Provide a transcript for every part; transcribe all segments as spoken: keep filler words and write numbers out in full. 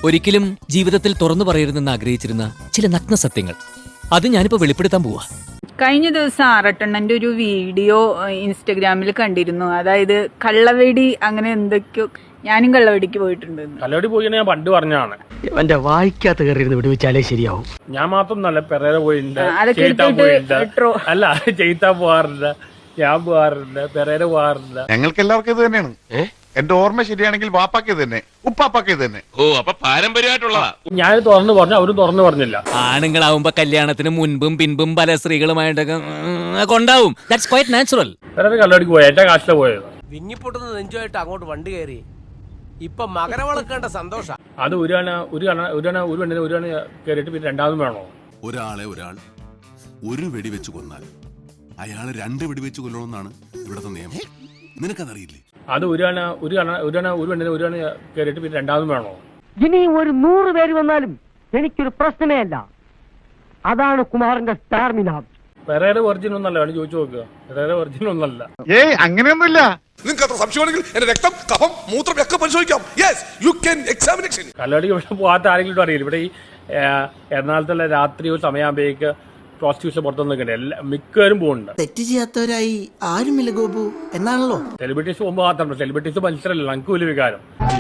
ഒരിക്കലും ജീവിതത്തിൽ തുറന്നു പറയരുതെന്ന് ആഗ്രഹിച്ചിരുന്ന ചില നഗ്ന സത്യങ്ങൾ അത് ഞാനിപ്പോ വെളിപ്പെടുത്താൻ പോവാ. കഴിഞ്ഞ ദിവസം ആറട്ടെണ്ണന്റെ ഒരു വീഡിയോ ഇൻസ്റ്റഗ്രാമിൽ കണ്ടിരുന്നു. അതായത് കള്ളവെടി അങ്ങനെ എന്തൊക്കെയോ. ഞാനും കള്ളവെടിക്ക് പോയിട്ടുണ്ട്. കള്ളവെടി പോയി ഞാൻ പണ്ട് പറഞ്ഞാണ്. എന്റെ വായിക്കാത്ത കയറിയിരുന്ന് വിടുവിച്ചാലേ ശരിയാവും. ഞാൻ മാത്രം നല്ല പെരേര പോയിട്ടുണ്ട്, അതൊക്കെ ചെയ്ത്താൻ പോയിട്ടുണ്ട്. എടുത്തിട്ട് അല്ല, ചെയ്ത്താൻ പോകാറില്ല, ഞാൻ പോകാറില്ല, പെരേര പോകാറില്ല. ഞങ്ങൾക്ക് എല്ലാവർക്കും ഇത് തന്നെയാണ്. എന്റെ ഓർമ്മ ശരിയാണെങ്കിൽ വാപ്പാക്ക് ഇത് തന്നെ, ഉപ്പാപ്പാക്ക് ഇത് തന്നെ. ഓ, അപ്പൊ പാരമ്പര്യമായിട്ടുള്ളതാ. ഞാൻ തുറന്നു പറഞ്ഞു, അവരും തുറന്നു പറഞ്ഞില്ല. ആണുങ്ങളാവുമ്പോ കല്യാണത്തിന് മുൻപും പിൻപും പല സ്ത്രീകളുമായിട്ടൊക്കെ കൊണ്ടാവും. That's quite natural. പെരേര കള്ളവെടിക്ക് പോയ എന്റെ കാശിലെ പോയത്. വിങ്ങിപ്പൊട്ടുന്ന നെഞ്ചുമായിട്ട് അങ്ങോട്ട് വണ്ടി കയറി ഇപ്പൊ മകരവിളക്കേണ്ട സന്തോഷ. അത് ഒരു അണ ഒരു അണ ഒരു അണ ഒരു പെണ്ണിന് ഒരു അണ കയറിയിട്ട് പിന്നെ രണ്ടാമതും വേണോ? ഒരാളെ ഒരാൾ ഒരു വെടിവെച്ച് കൊന്നാൽ അയാള് രണ്ട് വെടിവെച്ച് കൊല്ലണമെന്നാണ് ഇവിടത്തെ നിയമം. നിനക്കതറിയില്ലേ? അത് ഒരു അണ ഒരു അണ ഒരു അണ ഒരു പെണ്ണിന് ഒരു അണ കയറിയിട്ട് പിന്നെ രണ്ടാമതും വേണോ? ഇനി ഒരു നൂറ് പേര് വന്നാലും എനിക്കൊരു പ്രശ്നമേ അല്ല. അതാണ് കുമാരന്റെ സ്റ്റാർമിന. പെരേര വെർജിൻ ഒന്നല്ല, വേണം ചോദിച്ചു നോക്കുക. പെരേര വെർജിൻ ഒന്നല്ല. ഏയ് അങ്ങനെയൊന്നുമില്ല. നിങ്ങൾക്ക് അത്ര സംശയമാണെങ്കിൽ എന്റെ രക്തം, കഫം, മൂത്രം ഒക്കെ പരിശോധിക്കാം. Yes, you can examination. കള്ളവെടിക്ക് പക്ഷെ പോകാത്ത ആരെങ്കിലും അറിയില്ല. ഇവിടെ ഈ എറണാകുളത്തുള്ള രാത്രി ഒരു സമയമാകുമ്പോഴേക്ക് പ്രോസ്റ്റിറ്റ്യൂഷൻ പുറത്തു നിൽക്കണ്ടേ, എല്ലാ മിക്കവരും പോകുന്നുണ്ട്. തെറ്റ് ചെയ്യാത്തവരായി ആരുമില്ല ഗോപു എന്നാണല്ലോ. സെലിബ്രിറ്റീസ് പോകുമ്പോൾ മാത്രമല്ല, സെലിബ്രിറ്റീസ് മനുഷ്യരല്ല, നമുക്ക് വലിയ വികാരം.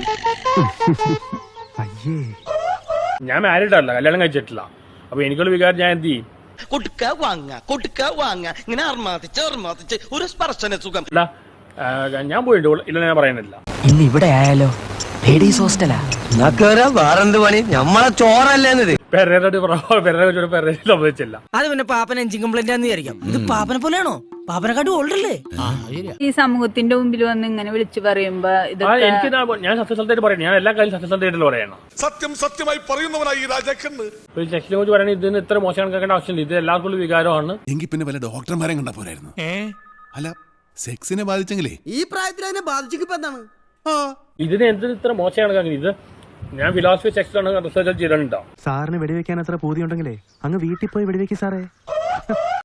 ഞാൻ മാരീഡ് അല്ല, കല്യാണം കഴിച്ചിട്ടില്ല. അപ്പൊ എനിക്കുള്ള വികാരം ഞാൻ എന്ത് ചെയ്യും? കൊടുക്ക വാങ്ങ കൊടുക്ക വാങ്ങ ഇങ്ങനെ അർമാതിച്ച് അർമാതിച്ച് ഒരു സ്പർശന സുഖം. അല്ല, ഞാൻ പോയിട്ടുണ്ട്, ഇല്ല ഞാൻ പറയുന്നില്ല. ഇന്ന് ഇവിടെ ആയാലോ ലേഡീസ് ഹോസ്റ്റലാ. വേറെന്ത് പണി, നമ്മളെ ചോറല്ലേന്നത്. പെരേരോട് പെരേരോട് പെരേര സംഭവിച്ചില്ല. അത് പിന്നെ പാപ്പൻ എഞ്ചിൻ കംപ്ലൈന്റ് ആണെന്ന് വിചാരിക്കാം. ഇത് പാപ്പനെ പോലെയാണോ? പാപ്പനെക്കാട്ടും ഓൾഡല്ലേ? ഈ സമൂഹത്തിന്റെ മുമ്പിൽ വന്ന് ഇങ്ങനെ വിളിച്ചു പറയുമ്പോ ഇതൊക്കെ എനിക്ക് ഞാൻ സത്യസന്ധമായിട്ട് പറയണം. ഞാൻ എല്ലാ കാര്യം സത്യസന്ധമായിട്ട് പറയണം. സത്യം സത്യമായി പറയുന്നവനായി ഈ രാജാക്കന്ന്. സെക്ഷനെ കുറിച്ച് പറയണത് ഇതിന് ഇത്ര മോശം കണക്കാക്കേണ്ട ആവശ്യമില്ല. ഇത് എല്ലാവർക്കും ഉള്ള വികാരമാണ്. എങ്കിൽ പിന്നെ വല്ല ഡോക്ടർമാരെ കണ്ടാ പോരായിരുന്നു. അല്ല, സെക്സിനെ ബാധിച്ചെങ്കിലേ ഈ പ്രായത്തിൽ അതിനെ ബാധിച്ചിപ്പോ എന്താണ്? ഇതിന് എന്തിന് ഇത്ര മോശം കണക്കാക്കുന്നത്? ഇത് ഞാൻ ഫിലോസഫി സെക്ഷൻ റിസർച്ച് ചെയ്തിട്ടുണ്ടോ? സാറിന് വെടിവെക്കാൻ അത്ര പൂതിയുണ്ടെങ്കിലേ അങ്ങ് വീട്ടിൽ പോയി വെടിവെക്കും സാറേ.